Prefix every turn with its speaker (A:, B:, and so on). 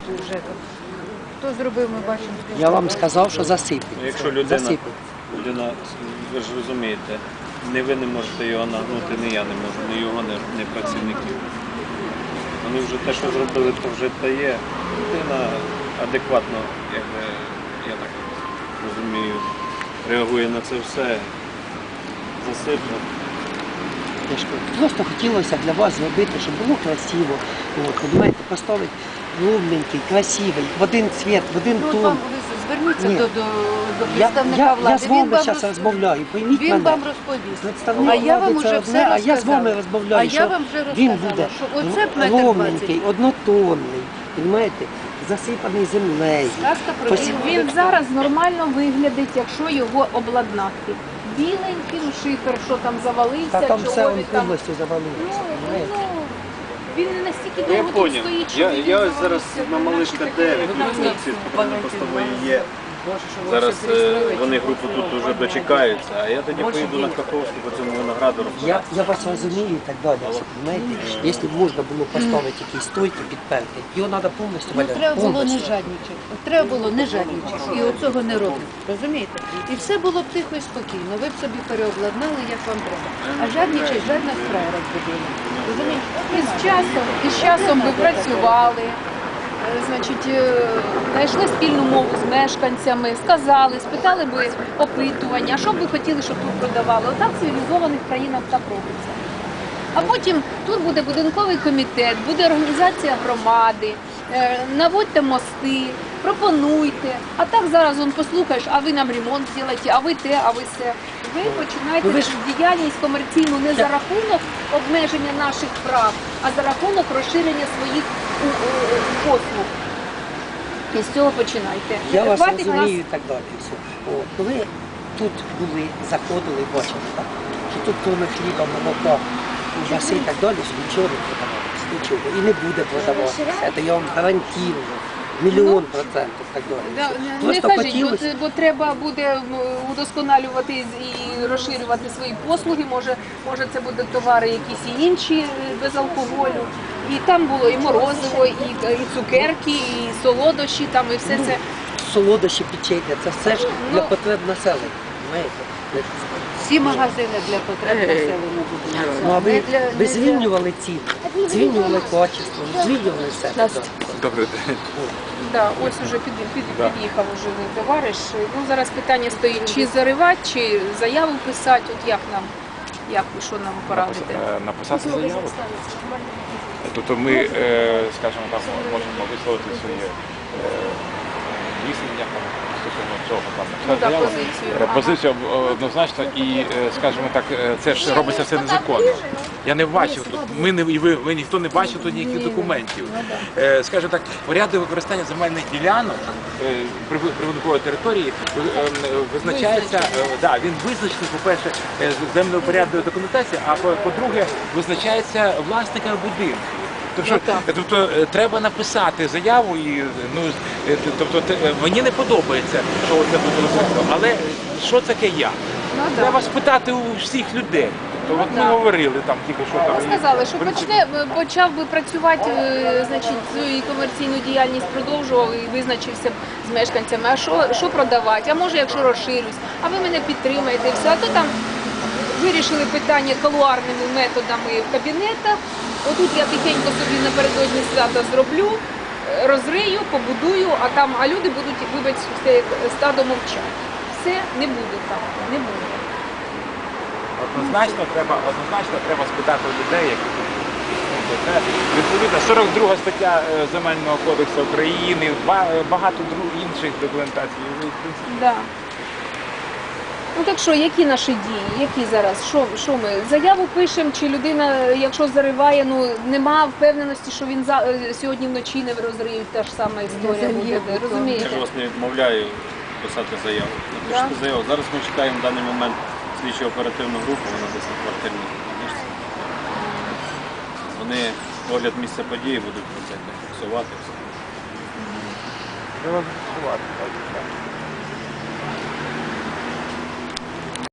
A: ЖЕКа. Хто зробив, ми бачимо.
B: Я вам сказав, що засипуть.
C: Якщо людина, ви ж розумієте, не ви не можете його нагнути, не я не можу, ні його, ні працівників. Вони вже те, що зробили, то вже та є. Людина адекватно, якби, я так розумію, реагує на це все, засипно.
B: Просто хотілося для вас зробити, щоб було красиво. Розумієте, поставити клубненький, красивий, в один цвіт, в один
A: Ну,
B: тон.
A: вам ви зверніться до представника влади.
B: Я з вами зараз розмовляю, пойміть
A: Він
B: мене.
A: вам розповість.
B: Представник
A: А я вам
B: влади це
A: вже
B: одне,
A: все
B: а я з вами
A: розказала.
B: розмовляю,
A: А я
B: що
A: вам вже
B: він
A: розказала,
B: буде
A: що оце метр 20.
B: ровненький, однотонний, розумієте, засипаний землею.
A: Сказка про
D: Він зараз нормально виглядить, якщо його обладнати. Біленьким шифер, що там завалився,
B: Та там
D: чого
B: все
D: він там.
B: повністю завалилося, розумієте?
D: Він не настільки
C: Я
D: довго тут
C: поняв.
D: стоїть, що він
C: Я ось зараз
D: завалився.
C: на Малишка 9, ці патрульно-постової є. Зараз вони групу тут вже дочекаються, а я тоді поїду на Каховську по цьому винограду розбирати.
B: Я вас розумію і так далі, розумієте? Якщо б можна було поставити якісь стойки підперти, його треба повністю
A: Ну,
B: валяти.
A: треба було не
B: повністю.
A: жадничати. Треба було не жадничати. І оцього не роблять. Розумієте? І все було б тихо і спокійно. Ви б собі переобладнали, як вам треба. А жадничать, жадна справа розбудила. Розумієш?
D: І з часом би працювали, значить, знайшли спільну мову з мешканцями, сказали, спитали би опитування, що б ви хотіли, щоб тут продавали. Отак в цивілізованих країнах так робиться. А потім тут буде будинковий комітет, буде організація громади, наводьте мости, пропонуйте. А так зараз он послухаєш, а ви нам ремонт зробите, а ви те, а ви все. Ви починаєте діяльність комерційну не за рахунок обмеження наших прав, а за рахунок розширення своїх послуг. І з цього починайте.
B: Я вас
D: Хватить
B: розумію і так далі. Все. От, коли тут були, заходили, бачили, так, що тут кроме хліба, молока, ужаси і так далі, що нічого не продавалося, нічого. І не буде продаватися. Це я вам гарантую. Мільйон процентів так далі.
D: Не кажіть, бо треба буде удосконалювати і розширювати свої послуги, може це будуть товари якісь і інші без алкоголю. І там було і морозиво, і цукерки, і солодощі, там, і все це.
B: Солодощі, печення, це все ж для потреб населення. Знаєте?
A: Всі магазини для потреб населення будуть.
B: Ну а ви звільнювали ціни, звільнювали качество, звільнювали все.
C: Добрий день.
D: Да, ось уже під'їхав уже товариш. Ну, зараз питання стоїть, чи заривати, чи заяву писати, от як ви, що нам порадите?
E: Написати заяву. Тобто ми, скажімо так, можемо висловити своє рішення стосовно цього. Позицію однозначно і, скажімо так, це ж робиться все незаконно. Я не бачив тут, ви ніхто не бачив тут ніяких документів. Скажімо так, порядок використання земельних ділянок прибудинкової території визначається, він визначений, по-перше, землеупорядної документації, а по-друге, визначається власниками будинку. Тобто треба написати заяву, і мені не подобається, що це буде робити, але що таке я? Треба спитати у всіх людей. Тобто, от ми говорили там тільки що там.
D: Сказали, що почав би працювати, значить, свою комерційну діяльність продовжував і визначився б з мешканцями, а що продавати, а може якщо розширюсь, а ви мене підтримаєте і все, а то там вирішили питання калуарними методами в кабінетах. Отут я тихенько собі напередодні свята зроблю, розрию, побудую, а люди будуть, вибачте, як стадо мовчати. Все не буде так, не буде.
E: Однозначно треба спитати у людей, які тут. Відповідно, 42 стаття Земельного кодексу України, багато інших документацій.
D: Да. Ну так що, які наші дії, які зараз, що ми, заяву пишемо, чи людина, якщо зариває, нема впевненості, що він сьогодні вночі не розриють, та ж сама історія буде, розумієте?
C: Я ж вас не відмовляю писати заяву. Напишіть заяву. Зараз ми чекаємо в даний момент слідчо-оперативну групу, вона десь на квартирній книжці. Вони огляд місця події будуть про це фіксувати.
E: Треба фіксувати.